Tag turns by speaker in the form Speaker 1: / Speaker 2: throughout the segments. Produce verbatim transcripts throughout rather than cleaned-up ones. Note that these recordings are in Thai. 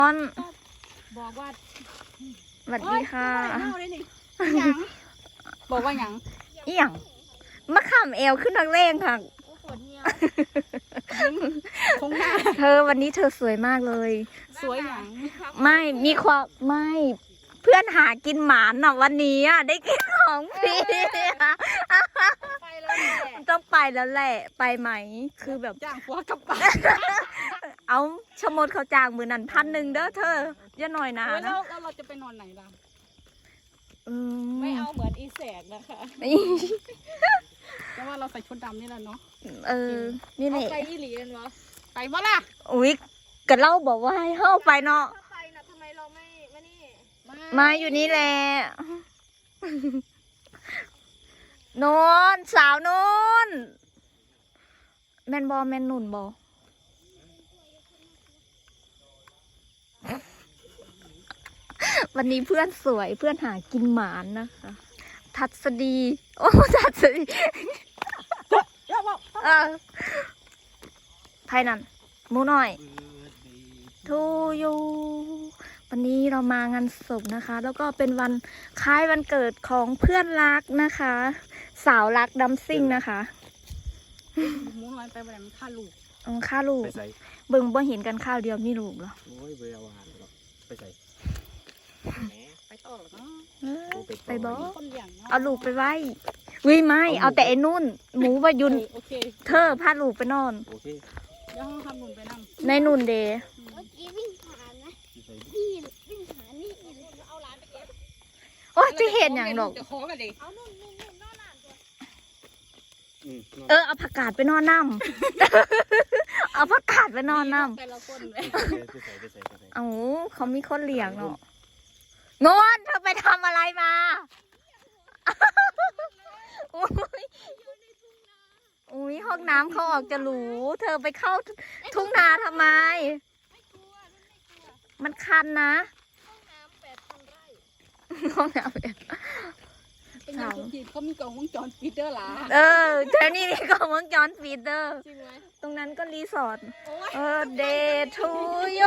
Speaker 1: ตอน
Speaker 2: บอกว่า
Speaker 1: สวัสดีค่ะ
Speaker 2: บอกว่าหยัง
Speaker 1: อีหยังมะขามเอวขึ้นนักเลงค่ะ
Speaker 2: คงหน้า
Speaker 1: เธอวันนี้เธอสวยมากเลย
Speaker 2: สวยหยัง
Speaker 1: ไม่มีความไม่เพื่อนหากินหมานน่ะวันนี้อ่ะได้กินของฟรีต้องไปแล้วแหละไปไหมคือแบบ
Speaker 2: จ้างผัวกลับบ้าน
Speaker 1: เอาชมดเขาจ้างมือนันพันหนึ่งเด้อเธออย่าหน่อยนะ
Speaker 2: แล้วแล้วเราจะไปนอนไหนล่ะไม่เอาเหมือนอีแสกนะคะแต่ว่าเราใส่ชุดดำนี่แหละเนาะ
Speaker 1: เออนี่แหละ
Speaker 2: ไปอีหลีกันวะไปวะล่ะ
Speaker 1: อุ๊ยกะเล่าบอกว่าให้เข้าไปเนาะ
Speaker 2: ไปนะทำไมเราไม่มานี่
Speaker 1: มาอยู่นี่แหละโนนสาวโนนแมนบอแมนหนุนบอวันนี้เพื่อนสวยเพื่อนหากินหมานนะคะทัศดีโอ้ทัศดีเออไทยนั่นมูหน่อยทูยูวันนี้เรามางานศพนะคะแล้วก็เป็นวันคล้ายวันเกิดของเพื่อนรักนะคะสาวรักดัมซิ่งนะคะ
Speaker 2: มูน้อยไปแบบมันฆ่าลูก
Speaker 1: อ๋อฆ่าลูกเบิ่งบ่เห็นกันข้าวเดียวมีลูกเหรอ
Speaker 3: โอ้ยเบลวานไปใส่
Speaker 2: ไปต่อหรอเนาะ
Speaker 1: ไปบ่เอาลูกไปไว้วิไม่เอาแต่ไอ้นุ่นหมูวายุนเธอพาลูกไปนอน
Speaker 3: โอเค
Speaker 2: เดี๋ยวห้องทำนุ่นไปนั่ง
Speaker 1: ในนุ่นเดย์
Speaker 4: เมื่อกี้วิ่งผ่านนะนี่วิ่งผ่านนี่
Speaker 2: เอาหลานไปเก็บ
Speaker 1: โอ้จะเห็นอย่างดอก
Speaker 2: จะขอกันดิ
Speaker 4: เอานุ่นนุ่นนุ่นนอนหลานตัว
Speaker 1: เออเอาผักกาดไปนอนน้ำเอาผักกาดไปนอนน้ำเอาเขามีคนเลี้ยงเนาะงอนเธอไปทำอะไรมาอุ้ยอุ้ยห้องน้ำเขาออกจะหรูเธอไปเข้าทุ่งนาทำไมมันคันนะห้องน้ำแปด
Speaker 2: เป็นยังทุกทีเขามีกล่องวงจรปิดเด้อล่ะ
Speaker 1: เออแถวนี้มีกล่องวงจรปิดเด้อจริงไหมตรงนั้นก็รีสอร์ทเออเดย์ทูยู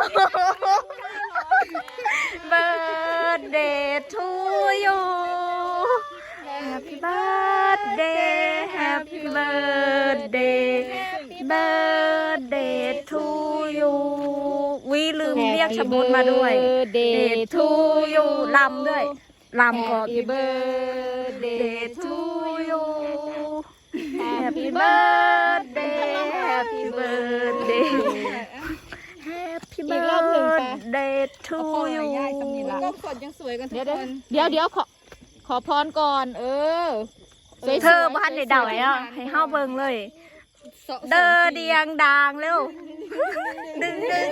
Speaker 1: เบิร์ดเดย์ทูยู Happy birthday Happy birthday birthday to you วิลืมเรียกชบุญมาด้วย Day to you ลำด้วยลำก่อน Happy birthday to you Happy birthday Happy birthday Happy birthday to you
Speaker 2: ก็กดยังสวยกันทุกคน
Speaker 1: เดี๋ยวเดี๋ยวขอขอพรก่อนเออเธอบ้านในดาวอ่ะให้ห้าเบิงเลยเดอเดียงดางเร็วดึงดึง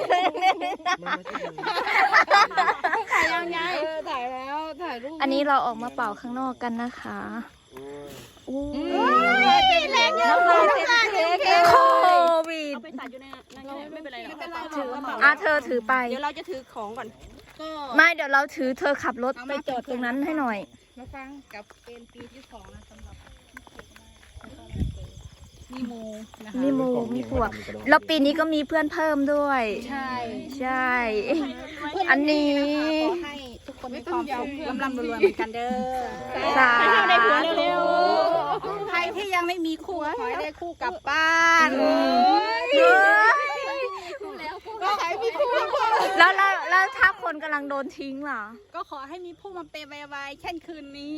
Speaker 2: ถ่ายยังไงถ่ายแล้วถ่ายรูป
Speaker 1: อันนี้เราออกมาเป่าข้างนอกกันนะคะอู้
Speaker 2: แรงเยอะ
Speaker 1: เลยโควิด
Speaker 2: เอาไปตัดอยู่ในนั้นไม่เป็นไรหรอก
Speaker 1: ถืออ่ะเธอถือไป
Speaker 2: เดี๋ยวเราจะถือของก่อน
Speaker 1: ก็ไม่เดี๋ยวเราถือเธอขับรถไปจอดตรงนั้นให้หน่อย
Speaker 2: มาฟังกับเป็นปีที่สองนะสำหรับมีโมนะคะ
Speaker 1: มีโมมีพวกแล้วปีนี้ก็มีเพื่อนเพิ่มด้วย
Speaker 2: ใช่
Speaker 1: ใช่อันนี้
Speaker 2: ให้ทุกคนมีความสุขร่ำร่ำรวยเหมือนกันเด้อ
Speaker 1: สาธุ
Speaker 2: เร็วๆใครที่ยังไม่มีคู่ขอให้ได้คู่กลับบ้านก็ขอให้มีคู่
Speaker 1: แล้วแล้วแล้วถ้าคนกำลังโดนทิ้งล่ะ
Speaker 2: ก็ขอให้มีผู้มาเปย์ไวๆเช่นคืนนี้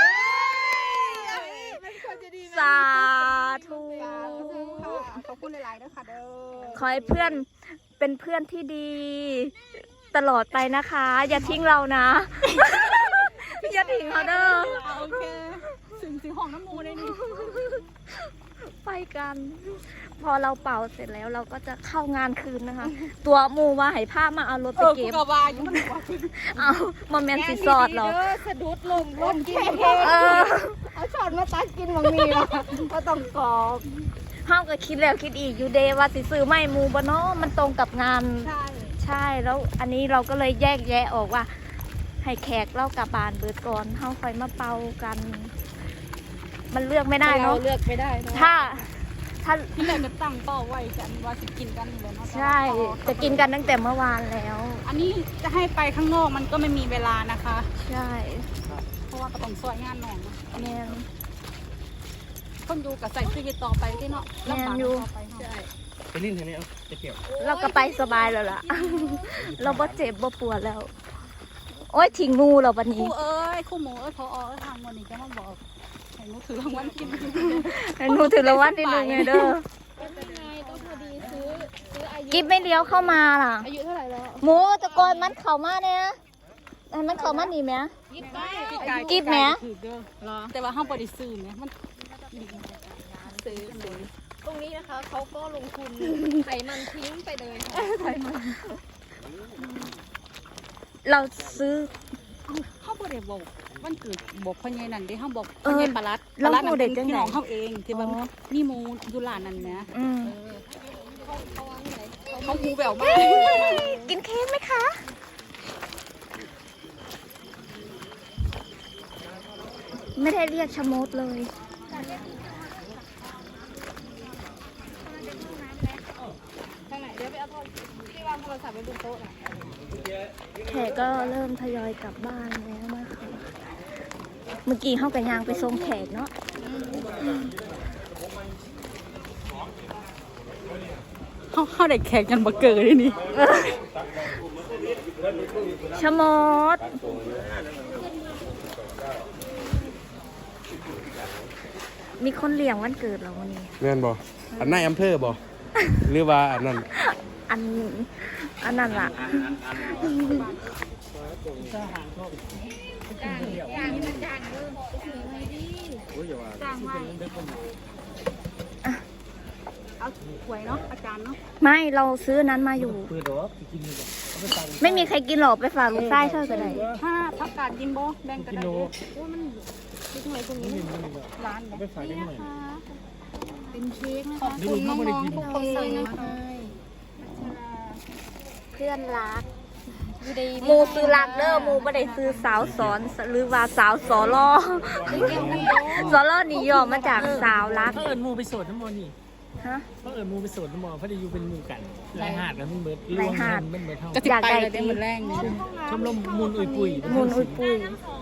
Speaker 1: สาธุ
Speaker 2: ขอบคุณหลายๆด้วยค่ะเด้อ
Speaker 1: ขอให้เพื่อนเป็นเพื่อนที่ดีตลอดไปนะคะอย่าทิ้งเรานะอย่าทิ้งเขาเด้อ
Speaker 2: โอเคถึงถึงห้องน้ำมูได้นี่
Speaker 1: ไปกันพอเราเป่าเสร็จแล้วเราก็จะเข้างานคืนนะคะตัวมูว่าให้ผ้ามาเอารถไปเก็บ
Speaker 2: กบาอยู่มัน
Speaker 1: เอามาแมนสิซอดหรอ
Speaker 2: สะดุดลมรถกินเอาช้อนมาตักกินบางมีละก็ต้องกรอบ
Speaker 1: ห้ามก็คิดแล้วคิดอีกอยู่เดว่าสิซื้อไม่มูบเนาะมันตรงกับงาน
Speaker 2: ใช่
Speaker 1: ใช่แล้วอันนี้เราก็เลยแยกแยะออกว่าให้แขกเล่ากับบานเบิดก่อนเฮาค่อยมาเป่ากันมันเลือกไม่ได้เนาะ
Speaker 2: เลือกไม่ได้
Speaker 1: ถ้าถ้า
Speaker 2: ที่แรกจะตั้งเป้าไว้กันว่าจะกินกันเลยเนาะ
Speaker 1: ใช่ จะกินกันตั้งแต่เมื่อวานแล้ว
Speaker 2: อันนี้จะให้ไปข้างนอกมันก็ไม่มีเวลานะคะ
Speaker 1: ใช่
Speaker 2: เพราะว่าก็ต้องซอยงานหน่อง
Speaker 1: แมน
Speaker 2: คนดูกับใส่เสื้อต่อไปที่เนาะลำบากต่อไปใช่
Speaker 3: ไปลิ้นทางนี้เอาจะเกี่ยว
Speaker 1: เราก็ไปสบายแล้วล่ะ เราบ่เจ็บบ่ปวดแล้ว โอ้ยทิ้งงูเราวัน
Speaker 2: ครู
Speaker 1: นี้
Speaker 2: เอ้ยครูหมูเอ้ยพอเอ้ยทางวันนี้จะมาบอกให้หนูถือรางวัลกิน
Speaker 1: หนูถือรางวัลที่หนึ่งไงเด้อ
Speaker 4: เป็นไงต้องพอดีซื้อซื้ออายุ
Speaker 1: กิฟไม่เลี้ยวเข้ามาล่ะ
Speaker 4: อายุเท่าไหร่แล้ว
Speaker 1: หมูตะโกนมันเข้ามาเนี่ยให้มันเข้ามาหนีไหม
Speaker 4: ยี่สิบเก้า
Speaker 1: กิ๊บแหม
Speaker 2: ถือเด้อเหรอแต่ว่าห้ามบริสุทธิ์เนี่ยมันซื้อเลย
Speaker 4: ตรงนี้นะคะเขาก็ลงทุนไขมันทิ้งไปเลยค่ะ
Speaker 1: เราซื้อ
Speaker 2: ห้ามบริบอกวันเกิดบอกพ่อใหญ่นั่นเด้ห้ามบอก
Speaker 1: เอ
Speaker 2: พ่อ
Speaker 1: อ
Speaker 2: ใหญ่ปลาลัด
Speaker 1: แล้ว
Speaker 2: ปลาลัด
Speaker 1: หมู่เด็กจัง
Speaker 2: พี่
Speaker 1: ไหน
Speaker 2: น้องเขาเองที่ว่า
Speaker 1: อ๋อ
Speaker 2: มีหมูอยู่หลานนั่นนะ
Speaker 1: อืม
Speaker 4: เขาวางไหน
Speaker 2: เขาหูแววมาก
Speaker 1: กินเค้กไหมคะ ไม่ได้เรียกชะมดเลย
Speaker 2: ทางไหนเดี๋ยวไปเอาโทรที่วางโทรศัพท์ไว้บนโต๊ะน่ะ
Speaker 1: แขกก็เริ่มทยอยกลับบ้านแล้วนะคะเมื่อกี้เข้ากับยางไปส่งแขกเนาะ
Speaker 2: เขาเขาได้แขกกันบักเกิดที่นี่
Speaker 1: ชะมด มีคนเลี้ยงวันเกิดเราวันนี้
Speaker 3: แม่นบ่อันนายอำเภอบ่หรือว่าอันนั้น
Speaker 1: อัน อันนั้นล่ะ
Speaker 2: เอาหวยเนาะอาจารย์เนาะ
Speaker 1: ไม่เราซื้อนั้นมาอยู่
Speaker 3: ปืนดอกกินนี่บ่
Speaker 1: ไม่มีใครกินหรอกไปฝากลูกไส้เธอก็ได้
Speaker 2: ถ้าพักกาดยินโบแบ่งกันได้เด้อ
Speaker 4: ที่ทำไมตรงนี้
Speaker 2: ร้าน
Speaker 3: เอาไปฝากได้หน่อย
Speaker 2: เป็นเค้กนะคะขอบคุณน้องๆทุกคนเลยนะคะ
Speaker 1: เพื่อนรักหมูซื้อรักเด้อหมูไม่ได้ซื้อสาวสอนหรือว่าสาวสอลอสอลอนี่ย่อมาจากสาวรัก
Speaker 5: เขาเอิญมูไปโสดน้ำมอนี่
Speaker 1: ฮะ
Speaker 5: เขาเอิญมูไปโสดน้ำมอเพราะได้อยู่เป็นหมู่กันลายหาดกันมันเบิด
Speaker 1: ลายหาด
Speaker 5: มันเบิดเท่า
Speaker 2: จะติดไปเลยได้เหมือนแรงนี่
Speaker 5: ชมรมมูลอุยปุย
Speaker 1: มูลอุยปุย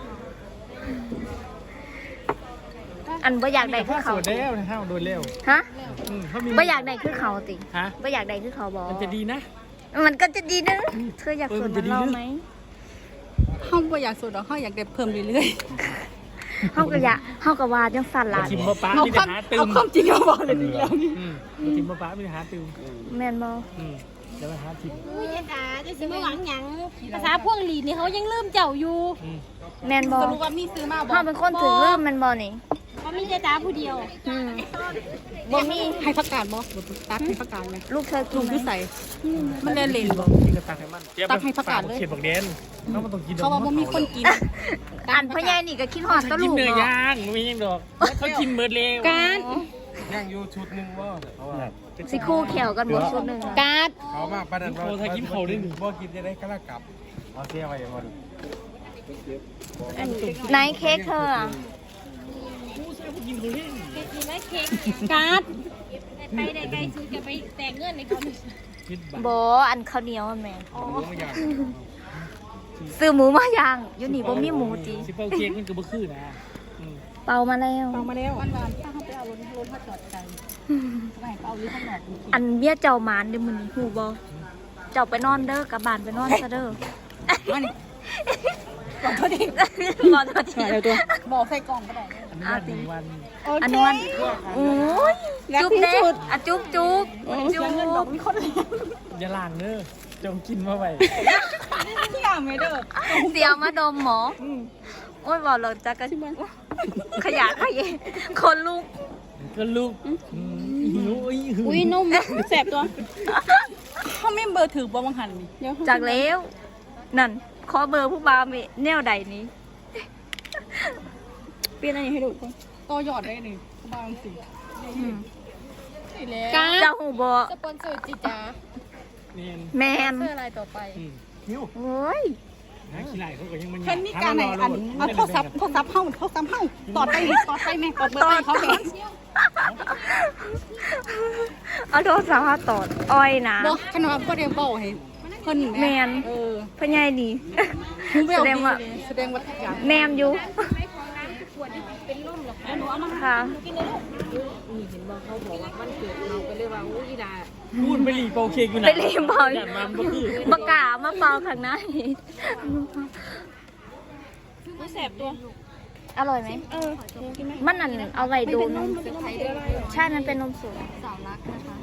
Speaker 1: อันบ่อยากได้คือ
Speaker 5: โส
Speaker 1: เขา
Speaker 5: ดแล้วนะฮะโดนเร็ว
Speaker 1: ฮะ
Speaker 5: อืมเขามี
Speaker 1: บ่อยากได้คือเขาติ
Speaker 5: ฮะ
Speaker 1: บ่อยากได้คือเขาบอก
Speaker 5: มันจะดีนะ
Speaker 1: มันก็จะดีนะเธออยาก
Speaker 5: เออ
Speaker 1: สว
Speaker 5: มัน น
Speaker 1: เห
Speaker 5: จะ
Speaker 1: มือน
Speaker 5: ดี
Speaker 1: เรา
Speaker 5: นะ
Speaker 1: ไหม
Speaker 2: ห้องบ่อยากสูดหรอกห้องอยากได้เพิ่มเรื่อย
Speaker 1: เฮาก็อยากเฮาก็ว่าจังสั่นล่ะ
Speaker 5: ทิมมาป้า
Speaker 2: ๆเอา
Speaker 5: มี
Speaker 2: ค
Speaker 5: แต่
Speaker 2: วาม
Speaker 5: หาตื
Speaker 2: เอา
Speaker 5: ม
Speaker 2: ความจริงมาบอกเลยดีแล้วนี่
Speaker 5: อืมทิมมาป้ามีแต่หาตืม
Speaker 1: แม่นบ่
Speaker 5: อืมเดี๋ยวมาหาทิม
Speaker 4: อุ้ยจ๋าจะซื้อมาหวังหยังภาษาพวกหลีนี่เขายังลืมเจ้าอยู่
Speaker 5: อืม
Speaker 1: แม่นบ่
Speaker 2: สรุปว่ามีซื้อมาบอ
Speaker 1: เฮาก เป็นคนถือเริ่มแม่นบ่นี่
Speaker 4: เขามีแต่จ๋าผู้เดียว
Speaker 1: อืมบ่มี
Speaker 2: ให้พักกาดบอกตักให้พักกาดไหม
Speaker 1: ลูกเธอกิ
Speaker 2: ลุ
Speaker 1: น
Speaker 2: ง
Speaker 1: ไหม
Speaker 2: ที่ใส่มันเล่นเล่นบอก
Speaker 5: กินกับตักให้มัน
Speaker 2: ตักให้ประกาศเลย
Speaker 5: เขียนบอกเดนเขามันต้องกิน
Speaker 2: เขาว่าบ่มีคนกิน
Speaker 1: อันพ่อใหญ่นี่ก็คิดฮอดตะ
Speaker 5: กิ
Speaker 1: ลู
Speaker 5: น
Speaker 1: ก
Speaker 5: เนื้อ
Speaker 1: เนาะ
Speaker 5: ย่างไม่ยังดอกเขากินเบิดเร็ว
Speaker 2: การ
Speaker 3: ย่างอยู่ชุดหนึงบ่เพราะว่า
Speaker 1: สิคู่แขวกันบ่ชุดหนึงอะ
Speaker 2: การ
Speaker 3: เขามาปานนั้นบ่บ่กินจะได้กะละกลับเอาเสียไว้บ่
Speaker 1: ไหนเค้กเธออะ
Speaker 5: กินเขาเล่น
Speaker 4: มีไหมเค้ก
Speaker 2: การ
Speaker 4: ไปได้ไกลซื้อจะไปแต่งเงินในเขา
Speaker 5: คิดบ้า
Speaker 1: บ่อันข้าวเหนียวอะแม่
Speaker 3: รู้ไม่ยาก
Speaker 1: ซื้อหมูมาย่างอยู่นี่บ่มีหมูติ
Speaker 5: สิเป้าเค้กมันก็บ่คือนะอืม
Speaker 1: เป่ามาแล้ว
Speaker 2: ฟังมาแล้ววันวานถ้าเขาไปเอารถรถมาจอดไกลไม่เอาอยู่ข้างนอก
Speaker 1: อันเบี้ยเจ้าหมานเด้มื้อนี้ฮู้บ่เจ้าไปนอนเด้อกลับบ้านไปนอนซะเด้อ
Speaker 2: มานี่ก่อนเขาดิ
Speaker 1: บ่โทษที
Speaker 2: ตัวบอกใส่กล่องก็ได้
Speaker 5: อันนี้วันหนึ่งวัน
Speaker 1: อันนี้วันโอ้ยจุ๊บเด้อะจุ๊บจุ๊บจุ๊บ
Speaker 2: เงินดอกมีคนเลี้ยง
Speaker 5: อย่าล่างเด้อจงกินมาไว้
Speaker 2: ที่อ่างไม่เด้อ
Speaker 1: เสียวมาดมหมอโอ้ยบอกเราจะกระขยะขยะคนลูก
Speaker 5: ก็ลูกหิวอุ้ยหิว
Speaker 2: อุ้ยนมแสบตัวเขาไม่เบอร์ถือบ่บางหันนี่เดี๋ยว
Speaker 1: จากแล้วนั่นขอเบอร์ผู้บ่าวมีแนวใดนี้
Speaker 2: เปลี่ยนอะไรให้ดูก่อนต่อยอดได้หนึ่งบางสิ
Speaker 1: อืม
Speaker 2: นี่แหละ
Speaker 1: เจ้าหูบอ
Speaker 4: สปอนเซอร์จิจ๋า
Speaker 5: นี่
Speaker 1: แมน
Speaker 4: เสื้ออะไรต่อไป
Speaker 5: หิว
Speaker 1: โอ้ย
Speaker 5: หาขี้ไหล่เขาก็ยังมัน
Speaker 2: เพิ่นมีการไหนอันเอาโทรศัพท์โทรศัพท์เฮาโทรศัพท์เฮาต่อไปนี่ต่อไปแม่ต่อเบอร์ไปเขาแม่
Speaker 1: เอาโทรศัพท์มาตอดอ้อยนะ
Speaker 2: บอกขนมก็เรียนบอกให้เพิ่น
Speaker 1: แมน
Speaker 2: เออ
Speaker 1: พ่อใหญ่ดี
Speaker 2: แส
Speaker 1: แส
Speaker 2: ด
Speaker 1: ด
Speaker 2: ง
Speaker 1: ง
Speaker 2: ว่า
Speaker 1: ว่า
Speaker 2: แสดงว่าทุกอย่าง
Speaker 1: แนมอยู่ค่ะ
Speaker 5: พูดไปหลีเป่าเค้กอยู่ไหน
Speaker 1: ไปรีบบอก
Speaker 5: ย่านมันบ่คือ
Speaker 1: ประกาศมาเป่าข้างใน
Speaker 4: แสบตัว
Speaker 1: อร่อยไหมเออมันนั่นเอาไว้ดูนมใช่มันเป็นนมสด
Speaker 2: สาวรักนะคะ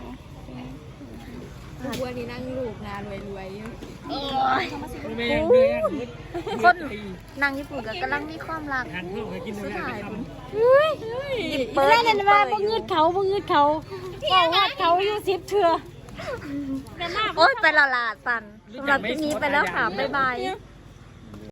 Speaker 2: บัวที่นั่งลูกนารวยรวย
Speaker 5: แม่งเดือน
Speaker 1: คนนางญี่ปุ่นก็กำลังมีความรัก
Speaker 5: หันเข้าไปกินเลยไปทำ
Speaker 1: หยิบเปิด
Speaker 4: นั่นนั่นว่าบ่งืดเขาบ่งืดเขาเขาวาดเขาอยู่สิบเถื่อ
Speaker 1: โอ๊ยไปและลาสันสำหรับที่นี้ไปแล้วค่ะ บ๊ายบาย
Speaker 4: เ